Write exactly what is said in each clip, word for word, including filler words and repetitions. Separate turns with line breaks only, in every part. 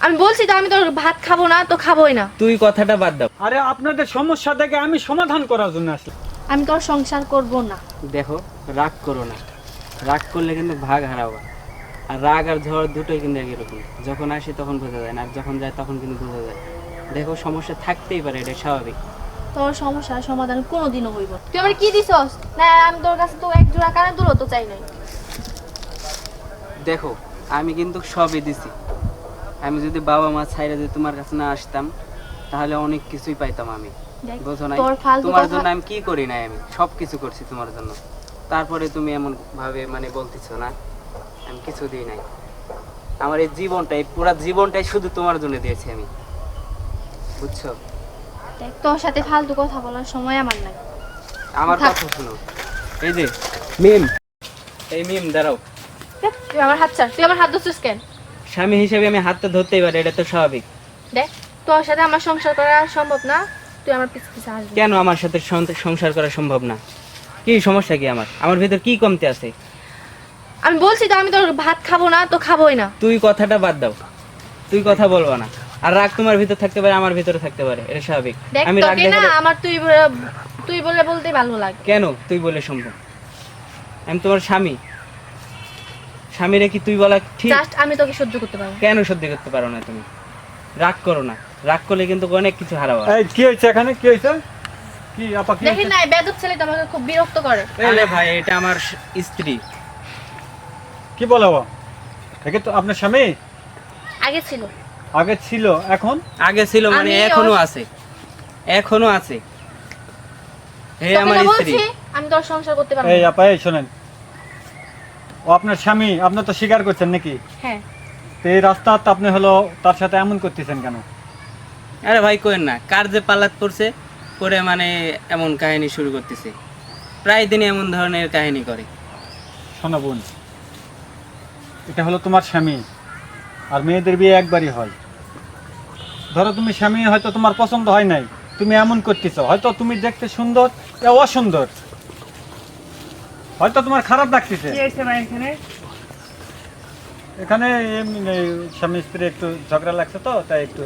আমি বলছি তো আমি তোর ভাত খাবো না তো খাবোই না।
তুই কথাটা বাদ দাও।
আরে আপনাদের সমস্যা থেকে আমি সমাধান করার জন্য আসলাম।
আমি তোর সংসার করব না।
দেখো, রাগ করো না। রাগ করলে কিন্তু ভাগ হারাবা। আর রাগ আর ঝড় দুটোই কিন্তু একই রকম। যখন আসে তখন বোঝা যায় না, আর যখন যায় তখন কিন্তু বোঝা যায়। দেখো, সমস্যা থাকতেই পারে, এটা স্বাভাবিক।
তোর সমস্যার সমাধান কোনোদিনও হইব না। তুই আমার কি দিছস? না আমি তোর কাছে তো এক জোড়া কানে দুলও তো চাই নাই।
দেখো, আমি কিন্তু সবই দিছি। আমি যদি বাবা মা ছাইরা যদি তোমার কাছে না আসতাম, তাহলে অনেক কিছুই পাইতাম আমি।
দেখ,
বুঝো না?
তোর ফালতু
তোমার
কথা-
জন্য আমি কি করি নাই, আমি সব কিছু করছি তোমার জন্য। তারপরে তুমি এমন ভাবে মানে বলতেছো না আমি কিছু দিই নাই। আমার এই জীবনটাই, পুরো জীবনটাই শুধু তোমার জন্য দিয়েছি আমি, বুঝছো?
দেখ, তোর সাথে ফালতু কথা বলার সময় আমার নাই।
আমার
থাক।
কথা শোনো। এই যে মিম, এই মিম দাঁড়াও।
দেখ, তুই আমার হাত ছাড়। তুই আমার হাত ধরছিস কেন?
স্বামী হিসেবে আমি হাতটা ধরতেই পারি, এটা তো স্বাভাবিক।
দেখ, তোর সাথে আমার সংসার করা সম্ভব না। তুই আমার পিছে পিছে আসবি না।
কেন আমার সাথে সং- সংসার করা সম্ভব না? কি সমস্যা কি আমার? আমার ভিতর কি কমতি আছে?
আমি বলছি তো আমি তোর ভাত খাবো না তো খাবোই না।
তুই কথাটা বাদ দাও। তুই কথা বলবো না। আর রাগ তোমার ভিতর থাকতে পারে, আমার ভিতরে থাকতে পারে, এটা স্বাভাবিক।
দেখ,
আমি রাগ
তোকে না
দেখালে
আমার তুই বলে- তুই বলে বলতেই ভালো লাগে।
কেন তুই বলে সম্ভব? আমি তোমার স্বামী। স্বামীরে কি তুই বলা ঠিক?
জাস্ট আমি তোকে সহ্য করতে পারবো না।
কেন সহ্য করতে পারো না তুমি? রাগ করো না। রাগ করলে কিন্তু অনেক কিছু হারাবা।
এই কি হয়েছে এখানে? কি হয়েছে? কি আপা কি
দেখি
হয়েছে?
না, বেদক ছেলেটা আমাকে খুব বিরক্ত করে।
আরে ভাই, এটা আমার স্ত্রী।
কি বলো? একে তো আপনার স্বামী
আগে ছিল।
আগে ছিল, এখন
আগে ছিল মানে
আমি
এখনো
ওর-
আছে। এখনো আছে। হে
তোকে
আমার
না
স্ত্রী।
বলছি আমি তোর সংসার করতে পারবো
এই
না।
আপা এই শোনেন, ও আপনার স্বামী, আপনি তো স্বীকার করছেন নাকি?
হ্যাঁ,
তো এই রাস্তা তো আপনি হলো তার সাথে এমন করতেছেন কেন?
আরে ভাই কোয়েন না, কার যে পালাত পড়ছে করে মানে এমন কাহিনী শুরু করতেছে। প্রায় দিনই এমন ধরনের কাহিনী করে।
শোনো বোন, এটা হলো তোমার স্বামী, আর মেয়েদের বিয়ে একবারই হয়। ধরো তুমি স্বামী হয়তো তোমার পছন্দ হয় নাই, তুমি এমন করতেছো, হয়তো তুমি দেখতে সুন্দর, এ অসুন্দর, হয়তো তোমার খারাপ লাগতেছে। এখানে এমনি এই স্বামী স্ত্রী একটু ঝগড়া লাগছে তো, তাই একটু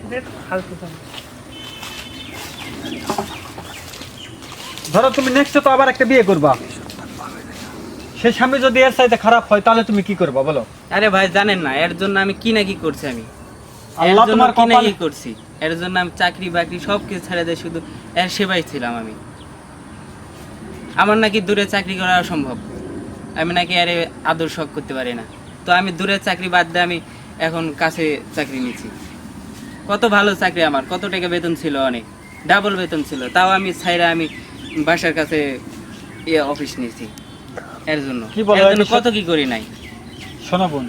ধরো তুমি নেক্সট তো আবার একটা বিয়ে করবা, সেই স্বামী যদি এর চাইতে খারাপ হয় তাহলে তুমি কি করবা বলো?
আরে ভাই জানেন না এর জন্য আমি কি না কি করছি আমি। এর
আল্লাহ
জন্য
তোমার
কি না
কপালে
কি করছি। এর জন্য আমি চাকরি বাকরি সব কিছু ছেড়ে দিয়ে শুধু এর সেবাই ছিলাম আমি। আমার নাকি দূরে চাকরি করা অসম্ভব। আমি নাকি আরে আদর শখ করতে পারি না। তো আমি দূরের চাকরি বাদ দিয়ে আমি এখন কাছে চাকরি নিচ্ছি। কত ভালো চাকরি আমার, কত টাকা বেতন ছিল, অনেক ডাবল বেতন ছিল। তাও আমি ছাইরা আমি বাসার কাছে ইয়ে অফিস নিয়েছি এর জন্য।
কি বলো,
এর জন্য
এটা
কত কি করি নাই।
শোনো বোন,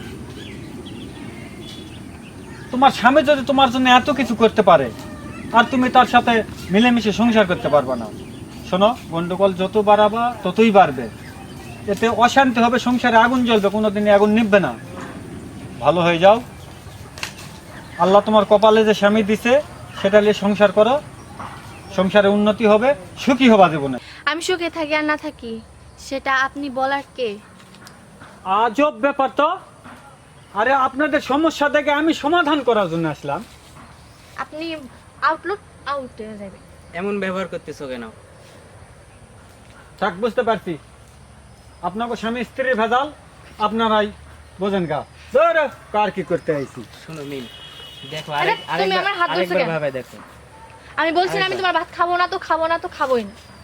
তোমার স্বামী যদি তোমার জন্য এত কিছু করতে পারে আর তুমি তার সাথে মিলেমিশে সংসার করতে পারবে না, শোনো গন্ডগোল যত বাড়াবা ততই বাড়বে, এতে অশান্তি হবে, সংসারে আগুন জ্বলবে, কোনোদিনই আগুন নিভবে না। ভালো হয়ে যাও, আল্লাহ তোমার কপালে যে স্বামী দিছে সেটা নিয়ে সংসার করো, সংসারে উন্নতি হবে, সুখী হবা জীবনে।
আমি সুখে থাকি আর না থাকি সেটা আপনি বলার কে?
আজব ব্যাপার তো। আরে আপনাদের সমস্যা থেকে আমি সমাধান করার জন্য আসলাম।
আপনি আউটলুক আউট হয়ে যাবে।
এমন ব্যবহার করতেছো কেন?
থাক, বুঝতে পারছি আপনাকে স্বামী স্ত্রীর ভেজাল, আপনারাই বোঝেন গা। ধরে কার কি করতে আইছি।
শোনো মিম, দেখো
আরে,
আরেক
তুমি
আরেকবার
আমার হাত ধরছো
আরেকবার
কেন?
ভাবে দেখো।
আমি বলছি না আমি
আরেকবার।
তোমার ভাত খাবো না তো খাবো না তো খাবোই না।